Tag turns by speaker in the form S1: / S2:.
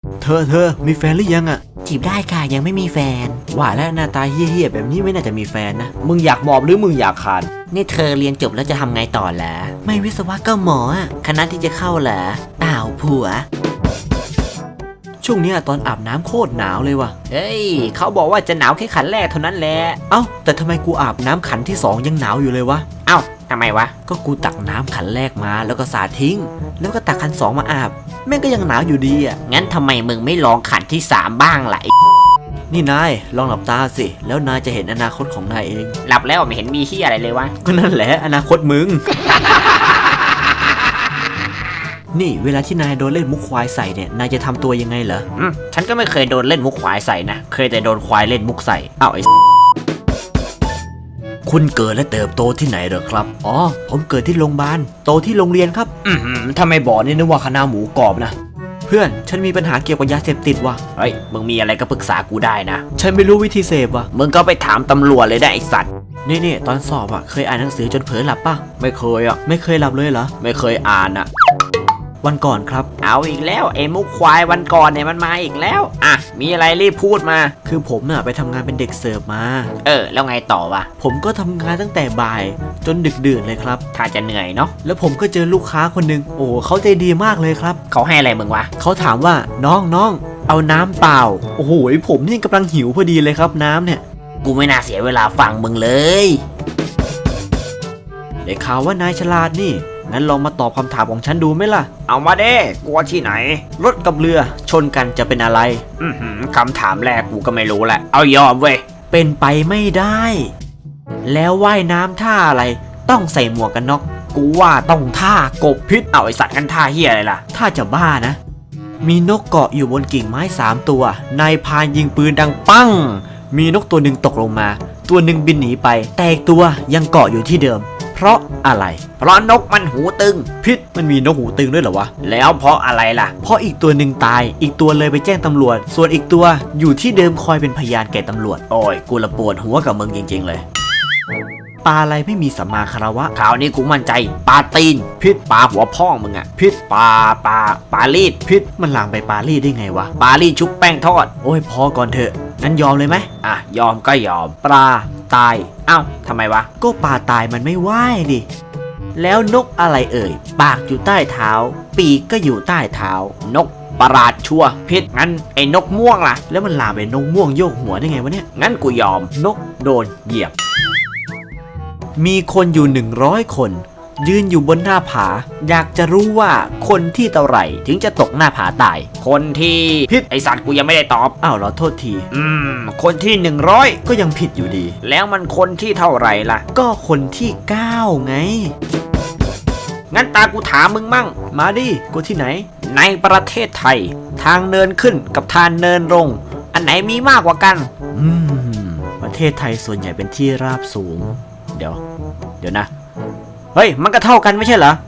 S1: เธอมีแฟนหรือยังอะ
S2: จีบได้ค่ะยังไม่มีแฟน
S1: ว่าแล้วหน้าตาเหี้ยๆแบบนี้ไม่น่าจะมีแฟนนะมึงอยากหมอบหรือมึงอยากคาน
S2: นี่เธอเรียนจบแล้วจะทำไงต่อเหรอไม่วิศวะก็หมอคณะที่จะเข้าเหรอเปล่าผัว
S1: ช่วงนี้ตอนอาบน้ำโคตรหนาวเลยว่ะ
S2: เฮ้ยเขาบอกว่าจะหนาวแค่ขันแรกเท่านั้นแหละ
S1: เอ้าแต่ทำไมกูอาบน้ำขันที่2ยังหนาวอยู่เลยวะ
S2: เอ้าทำไมวะ
S1: ก็กูตักน้ำขันแรกมาแล้วก็สาดทิ้งแล้วก็ตักขัน2มาอาบแม่งก็ยังหนาวอยู่ดีอ่ะ
S2: งั้นทำไมมึงไม่ลองขันที่3บ้างล่ะ
S1: นี่นายลองหลับตาสิแล้วนายจะเห็นอนาคตของนายเอง
S2: หลับแล้วไม่เห็นมีที่อะไรเลยวะ
S1: ก็นั่นแหละอนาคตมึง นี่เวลาที่นายโดนเล่นมุกควายใส่เนี่ยนายจะทำตัวยังไงเหรอ
S2: ฉันก็ไม่เคยโดนเล่นมุกควายใส่นะเคยแต่โดนควายเล่นมุกใส่
S1: อ้าวไอ้คุณเกิดและเติบโตที่ไหนเหรอครับอ๋อผมเกิดที่โรงพยาบาลโตที่โรงเรียนครับถ้าไม่บอกนี่นึกว่าคณะหมูกรอบนะเพื่อนฉันมีปัญหาเกี่ยวกับยาเสพติดว่ะ
S2: เฮ้ยมึงมีอะไรก็ปรึกษากูได้นะ
S1: ฉันไม่รู้วิธีเสพว่ะ
S2: มึงก็ไปถามตำรวจเลยได้ไอสัตว์
S1: นี่ตอนสอบเคยอ่านหนังสือจนเผลอหลับป่ะไม่เคยไม่เคยหลับเลยเหรอ
S2: ไม่เคยอ่าน
S1: วันก่อนครับ
S2: เอาอีกแล้วไอ้มุกควายวันก่อนเนี่ยมันมาอีกแล้วมีอะไรรีบพูดมา
S1: คือผมไปทำงานเป็นเด็กเสิร์ฟมา
S2: แล้วไงต่อวะ
S1: ผมก็ทำงานตั้งแต่บ่ายจนดึกดื่นเลยครับ
S2: ถ้าจะเหนื่อยเนาะ
S1: แล้วผมก็เจอลูกค้าคนนึงโอ้เขาใจดีมากเลยครับ
S2: เขาให้อะไรมึงวะ
S1: เขาถามว่าน้องเอาน้ำเปล่าโอ้โหผมนี่กำลังหิวพอดีเลยครับน้ำเนี่ย
S2: กูไม่น่าเสียเวลาฟังมึงเลย
S1: ได้ข่าวว่านายฉลาดนี่งั้นลองมาตอบคำถามของฉันดูไหมล่ะ
S2: เอามาเด้กลัวที่ไหน
S1: รถกับเรือชนกันจะเป็นอะไร
S2: คำถามแรกกูก็ไม่รู้แหละเอายอมเว้ย
S1: เป็นไปไม่ได้แล้วว่ายน้ำท่าอะไรต้องใส่หมวกกันน็อกกูว่าต้องท่ากบพิษ
S2: เอาไอสัตว์กันท่าเฮียอะไรล่ะ
S1: ถ้าจะบ้านะมีนกเกาะอยู่บนกิ่งไม้3 ตัวนายพรานยิงปืนดังปังมีนกตัวหนึ่งตกลงมาตัวหนึ่งบินหนีไปแต่อีกตัวยังเกาะอยู่ที่เดิมเพราะอะไร
S2: เพราะนกมันหูตึง
S1: พิษมันมีนกหูตึงด้วยเหรอวะ
S2: แล้วเพราะอะไรล่ะ
S1: เพราะอีกตัวหนึ่งตายอีกตัวเลยไปแจ้งตำรวจส่วนอีกตัวอยู่ที่เดิมคอยเป็นพยานแก่ตำรวจ
S2: โอ้ยกูละปวดหัวกับมึงจริงๆเลย
S1: ปลาอะไรไม่มีสัมมาคารวะ
S2: ข่าวนี้กูมั่นใจปลาตีนพิษปลาหัวพ่องมึงพิษปลาลีด
S1: พิษมันลามไปปลาลีดได้ไงวะ
S2: ปลาลีดชุบแป้งทอด
S1: โอ้ยพอก่อนเถอะงั้นยอมเลยไหม
S2: ยอมก็ยอม
S1: ปลาตาย
S2: ทำไมวะ
S1: ก็ปลาตายมันไม่ว่ายดิแล้วนกอะไรเอ่ยปากอยู่ใต้เท้าปีกก็อยู่ใต้เท้าน
S2: กประหลาดชัวพิษงั้นไอ้นกม่วงล่ะ
S1: แล้วมันลามไปนกม่วงโยกหัวได้ไงวะเนี่ย
S2: งั้นกูยอม
S1: นกโดนเหยียบมีคนอยู่100 คนยืนอยู่บนหน้าผาอยากจะรู้ว่าคนที่เท่าไหร่ถึงจะตกหน้าผาตาย
S2: คนที่
S1: ผิด
S2: ไอสัตว์กูยังไม่ได้ตอบ
S1: เหรอโทษที
S2: คนที่100
S1: ก็ยังผิดอยู่ดี
S2: แล้วมันคนที่เท่าไหร่ล่ะ
S1: ก็คนที่9ไง
S2: งั้นตากูถามมึงมั่ง
S1: มาดิกูที่ไหน
S2: ในประเทศไทยทางเนินขึ้นกับทางเนินลงอันไหนมีมากกว่ากัน
S1: ประเทศไทยส่วนใหญ่เป็นที่ราบสูงเดี๋ยวนะเฮ้ยมันก็เท่ากันไม่ใช่เหรอ